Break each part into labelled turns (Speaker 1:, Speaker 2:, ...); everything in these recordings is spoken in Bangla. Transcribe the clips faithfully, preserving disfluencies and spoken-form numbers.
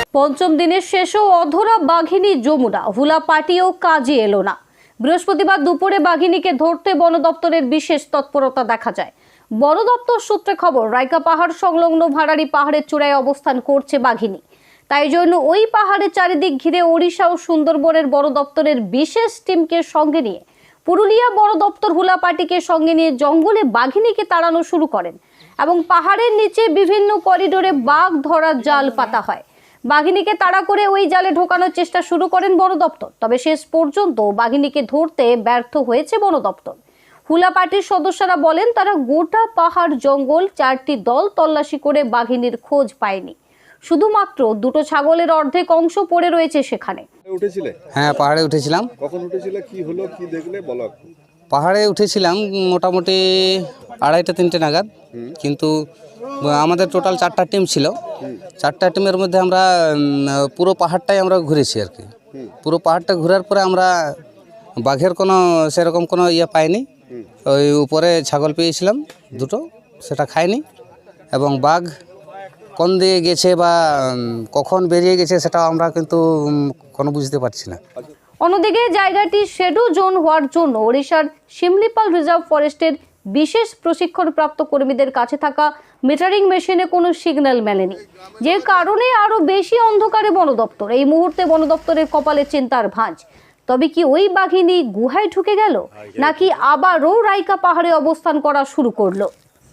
Speaker 1: পঞ্চম দিনের শেষেও অধরা বাঘিনী যমুনা, হুলা পাটিও কাজে এলো না। বৃহস্পতিবার দুপুরে বাঘিনীকে ধরতে বন দপ্তরের বিশেষ তৎপরতা দেখা যায়। বন দপ্তর সূত্রে খবর, রাইকা পাহাড় সংলগ্ন ভাড়ারি পাহাড়ের চূড়ায় অবস্থান করছে বাঘিনী। তাই জন্য ওই পাহাড়ের চারিদিক ঘিরে ওড়িশা ও সুন্দরবনের বন দপ্তরের বিশেষ টিমকে সঙ্গে নিয়ে পুরুলিয়া বন দপ্তর হুলা পাটিকে সঙ্গে নিয়ে জঙ্গলে বাঘিনীকে তাড়ানো শুরু করেন এবং পাহাড়ের নিচে বিভিন্ন করিডোরে বাঘ ধরার জাল পাতা হয়। বাঘিনীকে তাড়া করে ওই জালে ঢোকানোর চেষ্টা শুরু করেন বন দপ্তর, তবে শেষ পর্যন্ত বাঘিনীকে ধরতে ব্যর্থ হয়েছে বন দপ্তর। হুলা পার্টির সদস্যরা বলেন, তারা গোটা পাহাড় জঙ্গল চারটি দল তল্লাশি করে বাঘিনীর খোঁজ পায়নি। শুধুমাত্র দুটো ছাগলের অর্ধেক অংশ পড়ে রয়েছে সেখানে।
Speaker 2: উঠেছিলে?
Speaker 3: হ্যাঁ, পাহাড়ে উঠেছিলাম।
Speaker 2: কখন উঠেছিলে, কি হলো, কি দেখলে বলো।
Speaker 3: পাহাড়ে উঠেছিলাম মোটামুটি আড়াইটা তিনটে নাগাদ, কিন্তু আমাদের টোটাল চারটা টিম ছিল। চারটা টিমের মধ্যে আমরা পুরো পাহাড়টাই আমরা ঘুরেছি আর কি। পুরো পাহাড়টা ঘোরার পরে আমরা বাঘের কোনো সেরকম কোনো ইয়ে পাইনি। ওই উপরে ছাগল পেয়েছিলাম দুটো, সেটা খাইনি। এবং বাঘ কোন দিকে গেছে বা কখন বেরিয়ে গেছে সেটা আমরা কিন্তু কোনো বুঝতে পারছি না।
Speaker 1: অন্যদিকে জায়গাটি শেডো জোন হওয়ার জন্য ওড়িশার শিমলিপাল রিজার্ভ ফরেস্টের বিশেষ প্রশিক্ষণপ্রাপ্ত কর্মীদের কাছে থাকা মিটারিং মেশিনে কোনো সিগন্যাল মেলেনি, যে কারণে আরো বেশি অন্ধকারে বন দপ্তর। এই মুহূর্তে বন দপ্তরের কপালে চিন্তার ভাঁজ। তবে কি ওই বাঘিনী গুহায় ঢুকে গেল, নাকি আবারও রাইকা পাহাড়ে অবস্থান করা শুরু করলো?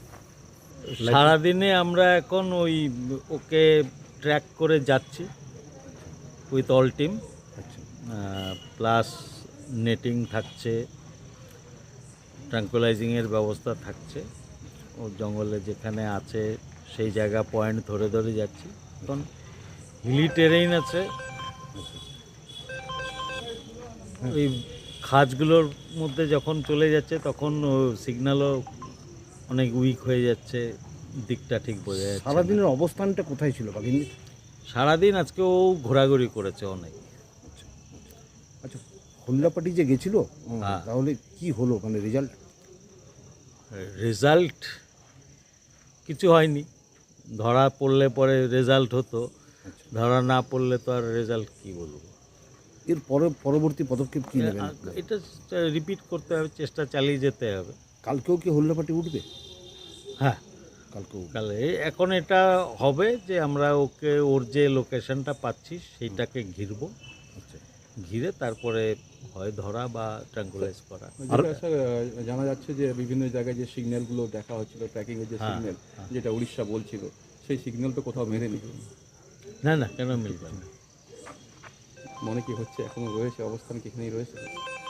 Speaker 4: সারাদিনে আমরা এখন ওই ওকে ট্র্যাক করে যাচ্ছি with all team, plus netting থাকছে, ট্রাঙ্কুলাইজিংয়ের ব্যবস্থা থাকছে। ও জঙ্গলে যেখানে আছে সেই জায়গা পয়েন্ট ধরে ধরে যাচ্ছি। এখন হিলি টেরেইন আছে, ওই খাঁজগুলোর মধ্যে যখন চলে যাচ্ছে তখন সিগন্যালও অনেক উইক হয়ে যাচ্ছে, দিকটা ঠিক বোঝা যাচ্ছে।
Speaker 5: সারাদিনের অবস্থানটা কোথায় ছিল বাঘিনী?
Speaker 4: সারাদিন আজকে ও ঘোরাঘুরি করেছে অনেক।
Speaker 5: আচ্ছা, হুল্লাপাটি যে গেছিল, তাহলে কি হলো, মানে রেজাল্ট?
Speaker 4: রেজাল্ট কিছু হয়নি। ধরা পড়লে পরে রেজাল্ট হতো, ধরা না পড়লে তো আর রেজাল্ট কি বলবো।
Speaker 5: এর পরে পরবর্তী পদক্ষেপ কী নেবেন?
Speaker 4: এটা রিপিট করতে হবে, চেষ্টা চালিয়ে যেতে হবে।
Speaker 5: কালকেও কি হুল্লাপাটি উঠবে?
Speaker 4: হ্যাঁ,
Speaker 5: কালকেও।
Speaker 4: কালে এখন এটা হবে যে আমরা ওকে ওর যে লোকেশনটা পাচ্ছি সেইটাকে ঘিরব।
Speaker 5: আচ্ছা,
Speaker 4: ঘিরে তারপরে হয় ধরা বা ট্রাঙ্কুলাইজ করা।
Speaker 6: আর স্যার জানা যাচ্ছে যে বিভিন্ন জায়গায় যে সিগন্যালগুলো দেখা হচ্ছিল, ট্র্যাকিংয়ের যে সিগন্যাল যেটা উড়িষ্যা বলছিল, সেই সিগন্যাল তো কোথাও মেলেনি।
Speaker 4: না না, কেন মিলবে না?
Speaker 6: মনে কি হচ্ছে এখনো রয়েছে, অবস্থান কি এখানেই রয়েছে?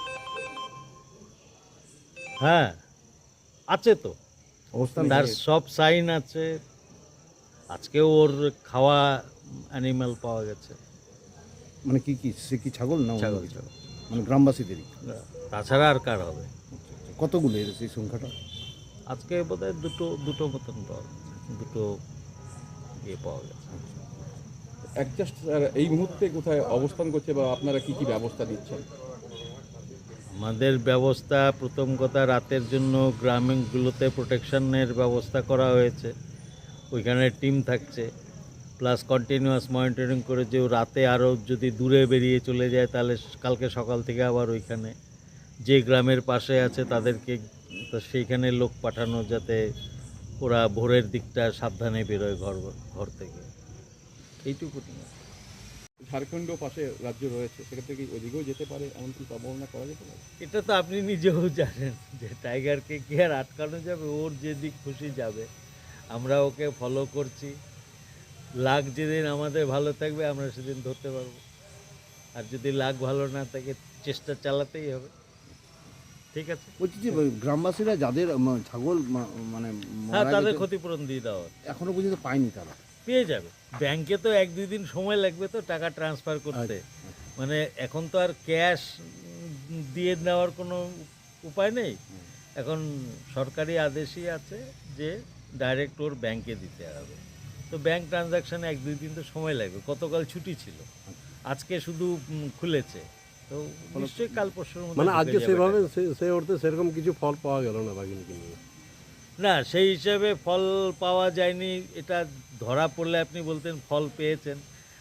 Speaker 4: হ্যাঁ, আছে তো
Speaker 5: অবস্থান
Speaker 4: তার সব সাইন আছে। আজকেও ওর খাওয়া অ্যানিম্যাল পাওয়া গেছে।
Speaker 5: মানে কি কি সে কি ছাগল না?
Speaker 4: ছাগল,
Speaker 5: মানে গ্রামবাসীদেরই?
Speaker 4: তাছাড়া আর কার হবে?
Speaker 5: কতগুলো এর সেই সংখ্যাটা?
Speaker 4: আজকে বোধহয় দুটো দুটো মতন পাওয়া গেছে, দুটো ইয়ে পাওয়া গেছে।
Speaker 6: অ্যাডজাস্ট এই মুহূর্তে কোথায় অবস্থান করছে বা আপনারা কি কি ব্যবস্থা দিচ্ছেন?
Speaker 4: আমাদের ব্যবস্থা, প্রথম কথা, রাতের জন্য গ্রামগুলোতে প্রোটেকশনের ব্যবস্থা করা হয়েছে। ওইখানে টিম থাকছে, প্লাস কন্টিনিউয়াস মনিটরিং করে যে রাতে আরও যদি দূরে বেরিয়ে চলে যায় তাহলে কালকে সকাল থেকে আবার ওইখানে যে গ্রামের পাশে আছে তাদেরকে তো সেইখানে লোক পাঠানো, যাতে ওরা ভোরের দিকটা সাবধানে বেরোয় ঘর ঘর থেকে। এইটুকু।
Speaker 6: ঝাড়খণ্ডও পাশে রাজ্য রয়েছে, সেক্ষেত্রে কি ওদিকেও যেতে পারে, এমনকি সম্ভাবনা করা যেতে পারে?
Speaker 4: এটা তো আপনি নিজেও জানেন যে টাইগারকে কি আর আটকানো যাবে? ওর যেদিক খুশি যাবে। আমরা ওকে ফলো করছি। লাক যেদিন আমাদের ভালো থাকবে আমরা সেদিন ধরতে পারবো, আর যদি লাক ভালো না থাকে চেষ্টা চালাতেই হবে। ঠিক আছে?
Speaker 5: বলছি যে গ্রামবাসীরা যাদের ছাগল মানে
Speaker 4: হ্যাঁ, তাদের ক্ষতিপূরণ দিয়ে দেওয়া
Speaker 5: এখনো পর্যন্ত পায়নি, তারা
Speaker 4: পেয়ে যাবে। ব্যাংকে তো এক দুই দিন সময় লাগবে তো টাকা ট্রান্সফার করতে। মানে এখন তো আর ক্যাশ দিয়ে নেওয়ার কোনো উপায় নেই। এখন সরকারি আদেশই আছে যে ডাইরেক্ট ওর ব্যাংকে দিতে হবে। তো ব্যাংক ট্রানজাকশানে এক দুই দিন তো সময় লাগবে। গতকাল ছুটি ছিল, আজকে শুধু খুলেছে, তো নিশ্চয়ই কাল পরশুর মধ্যে।
Speaker 7: মানে আজকে সেভাবে সেই অর্থে সেরকম কিছু ফল পাওয়া গেল না বাঘিনীকে নিয়ে?
Speaker 4: না, সেই হিসাবে ফল পাওয়া যায়নি। এটা ধরা পড়লে আপনি বলতেন ফল পেয়েছেন।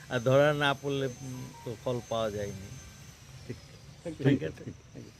Speaker 4: আর ধরা না পড়লে উম, তো ফল পাওয়া যায়নি। ঠিক আছে।